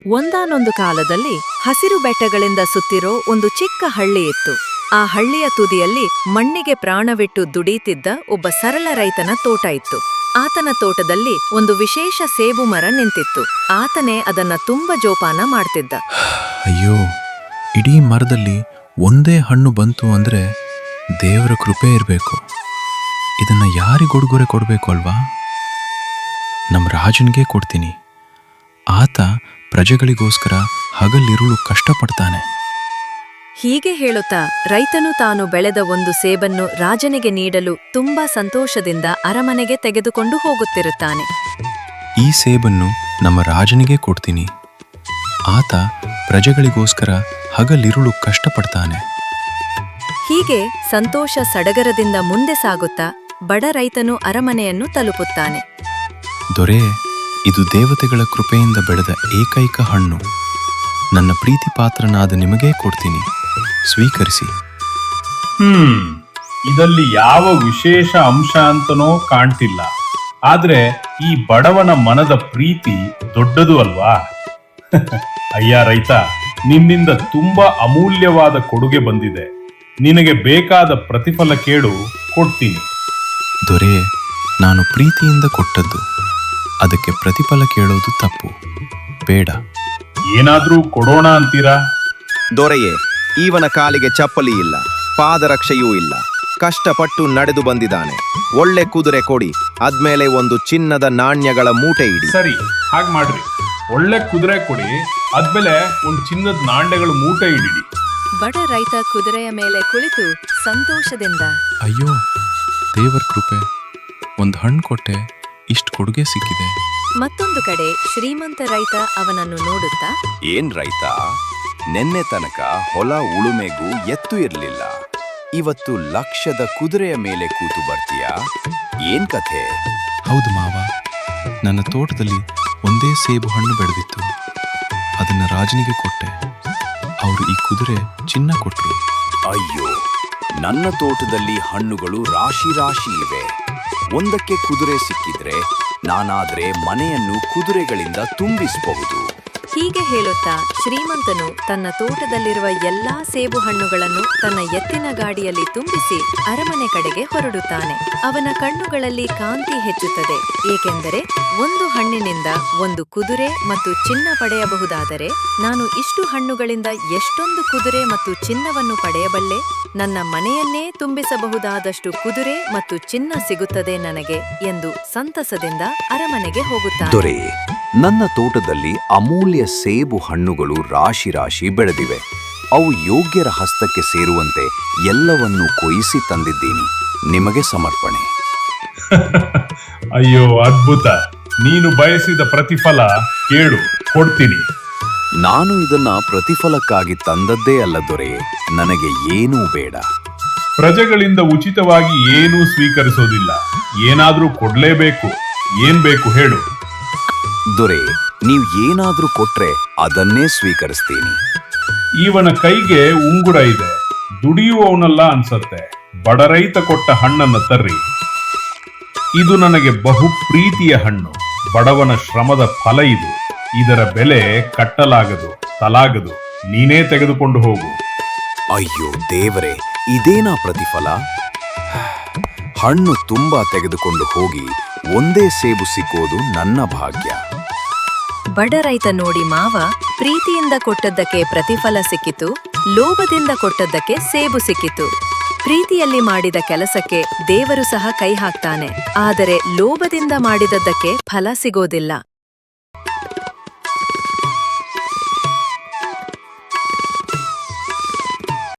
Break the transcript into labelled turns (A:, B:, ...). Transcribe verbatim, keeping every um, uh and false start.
A: ಒಂದಾನೊಂದು ಕಾಲದಲ್ಲಿ ಹಸಿರು ಬೆಟ್ಟಗಳಿಂದ ಸುತ್ತಿರೋ ಒಂದು ಚಿಕ್ಕ ಹಳ್ಳಿ ಇತ್ತು. ಆ ಹಳ್ಳಿಯ ತುದಿಯಲ್ಲಿ ಮಣ್ಣಿಗೆ ಪ್ರಾಣವಿಟ್ಟು ದುಡೀತಿದ್ದ ಒಬ್ಬ ಸರಳ ರೈತನ ತೋಟ ಇತ್ತು. ಆತನ ತೋಟದಲ್ಲಿ ಒಂದು ವಿಶೇಷ ಸೇಬು ಮರ ನಿಂತಿತ್ತು. ಆತನೇ ಅದನ್ನ ತುಂಬ ಜೋಪಾನ ಮಾಡ್ತಿದ್ದ.
B: ಅಯ್ಯೋ, ಇಡೀ ಮರದಲ್ಲಿ ಒಂದೇ ಹಣ್ಣು ಬಂತು ಅಂದ್ರೆ ದೇವರ ಕೃಪೆ ಇರಬೇಕು. ಇದನ್ನ ಯಾರಿಗೊಡುಗೊರೆ ಕೊಡಬೇಕು ಅಲ್ವಾ? ನಮ್ಮ ರಾಜನಿಗೆ ಕೊಡ್ತೀನಿ. ಆತ ಪ್ರಜೆಗಳಿಗೋಸ್ಕರ ಹಗಲಿರುಳು ಕಷ್ಟಪಡ್ತಾನೆ.
A: ಹೀಗೆ ಹೇಳುತ್ತಾ ರೈತನು ತಾನು ಬೆಳೆದ ಒಂದು ಸೇಬನ್ನು ರಾಜನಿಗೆ ನೀಡಲು ತುಂಬಾ ಸಂತೋಷದಿಂದ ಅರಮನೆಗೆ ತೆಗೆದುಕೊಂಡು ಹೋಗುತ್ತಿರುತ್ತಾನೆ.
B: ಈ ಸೇಬನ್ನು ನಮ್ಮ ರಾಜನಿಗೆ ಕೊಡ್ತೀನಿ. ಆತ ಪ್ರಜೆಗಳಿಗೋಸ್ಕರ ಹಗಲಿರುಳು ಕಷ್ಟಪಡ್ತಾನೆ.
A: ಹೀಗೆ ಸಂತೋಷ ಸಡಗರದಿಂದ ಮುಂದೆ ಸಾಗುತ್ತಾ ಬಡ ರೈತನು ಅರಮನೆಯನ್ನು ತಲುಪುತ್ತಾನೆ.
B: ದೊರೆ, ಇದು ದೇವತೆಗಳ ಕೃಪೆಯಿಂದ ಬೆಳೆದ ಏಕೈಕ ಹಣ್ಣು. ನನ್ನ ಪ್ರೀತಿ ಪಾತ್ರನಾದ ನಿಮಗೇ ಕೊಡ್ತೀನಿ, ಸ್ವೀಕರಿಸಿ.
C: ಹ್ಮ್ ಇದಲ್ಲಿ ಯಾವ ವಿಶೇಷ ಅಂಶ ಅಂತನೋ ಕಾಣ್ತಿಲ್ಲ. ಆದ್ರೆ ಈ ಬಡವನ ಮನದ ಪ್ರೀತಿ ದೊಡ್ಡದು ಅಲ್ವಾ? ಅಯ್ಯ ರೈತ, ನಿನ್ನಿಂದ ತುಂಬಾ ಅಮೂಲ್ಯವಾದ ಕೊಡುಗೆ ಬಂದಿದೆ. ನಿನಗೆ ಬೇಕಾದ ಪ್ರತಿಫಲ ಕೇಳು, ಕೊಡ್ತೀನಿ.
B: ದೊರೆ, ನಾನು ಪ್ರೀತಿಯಿಂದ ಕೊಟ್ಟದ್ದು. ಅದಕ್ಕೆ ಪ್ರತಿಫಲ ಕೇಳೋದು ತಪ್ಪು. ಬೇಡ.
C: ಏನಾದ್ರೂ ಕೊಡೋಣ ಅಂತೀರಾ?
D: ದೊರೆಯೇ, ಇವನ ಕಾಲಿಗೆ ಚಪ್ಪಲಿ ಇಲ್ಲ, ಪಾದರಕ್ಷೆಯೂ ಇಲ್ಲ. ಕಷ್ಟಪಟ್ಟು ನಡೆದು ಬಂದಿದ್ದಾನೆ. ಒಳ್ಳೆ ಕುದುರೆ ಕೊಡಿ, ಆದ್ಮೇಲೆ ಒಂದು ಚಿನ್ನದ ನಾಣ್ಯಗಳ ಮೂಟೆ ಇಡಿ.
C: ಸರಿ, ಹಾಗೆ ಮಾಡ್ರಿ. ಒಳ್ಳೆ ಕುದುರೆ ಕೊಡಿ, ಆದ್ಮೇಲೆ ಒಂದು ಚಿನ್ನದ ನಾಣ್ಯಗಳ ಮೂಟೆ ಇಡಿಡಿ.
A: ಬಡ ರೈತ ಕುದುರೆಯ ಮೇಲೆ ಕುಳಿತು ಸಂತೋಷದಿಂದ,
B: ಅಯ್ಯೋ ದೇವರ ಕೃಪೆ, ಒಂದು ಹಣ್ಣು ಕೊಟ್ಟೆ, ಇಷ್ಟು ಕೊಡುಗೆ ಸಿಕ್ಕಿದೆ.
A: ಮತ್ತೊಂದು ಕಡೆ ಶ್ರೀಮಂತ ರೈತ ಅವನನ್ನು ನೋಡುತ್ತಾ,
E: ಏನ್ ರೈತ, ನೆನ್ನೆ ತನಕ ಹೊಲ ಉಳುಮೆಗೂ ಎತ್ತು ಇರ್ಲಿಲ್ಲ, ಇವತ್ತು ಲಕ್ಷದ ಕುದುರೆಯ ಮೇಲೆ ಕೂತು ಬರ್ತೀಯಾ? ಏನ್ ಕಥೆ?
B: ಹೌದು ಮಾವ, ನನ್ನ ತೋಟದಲ್ಲಿ ಒಂದೇ ಸೇಬು ಹಣ್ಣು ಬೆಳೆದಿತ್ತು. ಅದನ್ನ ರಾಜನಿಗೆ ಕೊಟ್ಟೆ. ಅವರು ಈ ಕುದುರೆ ಚಿನ್ನ ಕೊಟ್ರು.
E: ಅಯ್ಯೋ, ನನ್ನ ತೋಟದಲ್ಲಿ ಹಣ್ಣುಗಳು ರಾಶಿ ರಾಶಿ ಇವೆ. ಒಂದಕ್ಕೆ ಕುದುರೆ ಸಿಕ್ಕಿದ್ರೆ ನಾನಾದ್ರೆ ಮನೆಯನ್ನು ಕುದುರೆಗಳಿಂದ ತುಂಬಿಸಬಹುದು.
A: ಹೀಗೆ ಹೇಳುತ್ತಾ ಶ್ರೀಮಂತನು ತನ್ನ ತೋಟದಲ್ಲಿರುವ ಎಲ್ಲಾ ಸೇಬು ಹಣ್ಣುಗಳನ್ನು ತನ್ನ ಎತ್ತಿನ ಗಾಡಿಯಲ್ಲಿ ತುಂಬಿಸಿ ಅರಮನೆ ಕಡೆಗೆ ಹೊರಡುತ್ತಾನೆ. ಅವನ ಕಣ್ಣುಗಳಲ್ಲಿ ಕಾಂತಿ ಹೆಚ್ಚುತ್ತದೆ, ಏಕೆಂದರೆ ಒಂದು ಹಣ್ಣಿನಿಂದ ಒಂದು ಕುದುರೆ ಮತ್ತು ಚಿನ್ನ ಪಡೆಯಬಹುದಾದರೆ ನಾನು ಇಷ್ಟು ಹಣ್ಣುಗಳಿಂದ ಎಷ್ಟೊಂದು ಕುದುರೆ ಮತ್ತು ಚಿನ್ನವನ್ನು ಪಡೆಯಬಲ್ಲೆ? ನನ್ನ ಮನೆಯನ್ನೇ ತುಂಬಿಸಬಹುದಾದಷ್ಟು ಕುದುರೆ ಮತ್ತು ಚಿನ್ನ ಸಿಗುತ್ತದೆ ನನಗೆ ಎಂದು ಸಂತಸದಿಂದ ಅರಮನೆಗೆ ಹೋಗುತ್ತಾನೆ.
E: ದೊರೆ, ನನ್ನ ತೋಟದಲ್ಲಿ ಅಮೂಲ್ಯ ಸೇಬು ಹಣ್ಣುಗಳು ರಾಶಿ ರಾಶಿ ಬೆಳೆದಿವೆ. ಅವು ಯೋಗ್ಯರ ಹಸ್ತಕ್ಕೆ ಸೇರುವಂತೆ ಎಲ್ಲವನ್ನೂ ಕೊಯಿಸಿ ತಂದಿದ್ದೀನಿ. ನಿಮಗೆ ಸಮರ್ಪಣೆ.
C: ಅಯ್ಯೋ ಅದ್ಭುತ! ನೀನು ಬಯಸಿದ ಪ್ರತಿಫಲ ಕೇಳು, ಕೊಡ್ತೀನಿ.
E: ನಾನು ಇದನ್ನ ಪ್ರತಿಫಲಕ್ಕಾಗಿ ತಂದದ್ದೇ ಅಲ್ಲ ದೊರೆ, ನನಗೆ ಏನೂ ಬೇಡ.
C: ಪ್ರಜೆಗಳಿಂದ ಉಚಿತವಾಗಿ ಏನೂ ಸ್ವೀಕರಿಸೋದಿಲ್ಲ, ಏನಾದ್ರೂ ಕೊಡ್ಲೇಬೇಕು. ಏನ್ ಬೇಕು ಹೇಳು?
E: ದೊರೆ, ನೀವು ಏನಾದ್ರೂ ಕೊಟ್ರೆ ಅದನ್ನೇ ಸ್ವೀಕರಿಸ್ತೀನಿ.
C: ಇವನ ಕೈಗೆ ಉಂಗುರ ಇದೆ, ದುಡಿಯುವವನಲ್ಲ ಅನ್ಸತ್ತೆ. ಬಡ ರೈತ ಕೊಟ್ಟ ಹಣ್ಣನ್ನ ತರ್ರಿ. ಇದು ನನಗೆ ಬಹು ಪ್ರೀತಿಯ ಹಣ್ಣು. ಬಡವನ ಶ್ರಮದ ಫಲ ಇದು. ಇದರ ಬೆಲೆ ಕಟ್ಟಲಾಗದು, ತಲಾಗದು. ನೀನೇ ತೆಗೆದುಕೊಂಡು ಹೋಗು.
E: ಅಯ್ಯೋ ದೇವರೇ, ಇದೇನಾ ಪ್ರತಿಫಲ? ಹಣ್ಣು ತುಂಬಾ ತೆಗೆದುಕೊಂಡು ಹೋಗಿ ಒಂದೇ ಸೇಬು ಸಿಕ್ಕೋದು ನನ್ನ ಭಾಗ್ಯ.
A: ಬಡ ರೈತ ನೋಡಿ ಮಾವ, ಪ್ರೀತಿಯಿಂದ ಕೊಟ್ಟದ್ದಕ್ಕೆ ಪ್ರತಿಫಲ ಸಿಕ್ಕಿತು, ಲೋಭದಿಂದ ಕೊಟ್ಟದ್ದಕ್ಕೆ ಸೇಬು ಸಿಕ್ಕಿತು. ಪ್ರೀತಿಯಲ್ಲಿ ಮಾಡಿದ ಕೆಲಸಕ್ಕೆ ದೇವರು ಸಹ ಕೈ ಹಾಕ್ತಾನೆ, ಆದರೆ ಲೋಭದಿಂದ ಮಾಡಿದದ್ದಕ್ಕೆ ಫಲ ಸಿಗೋದಿಲ್ಲ.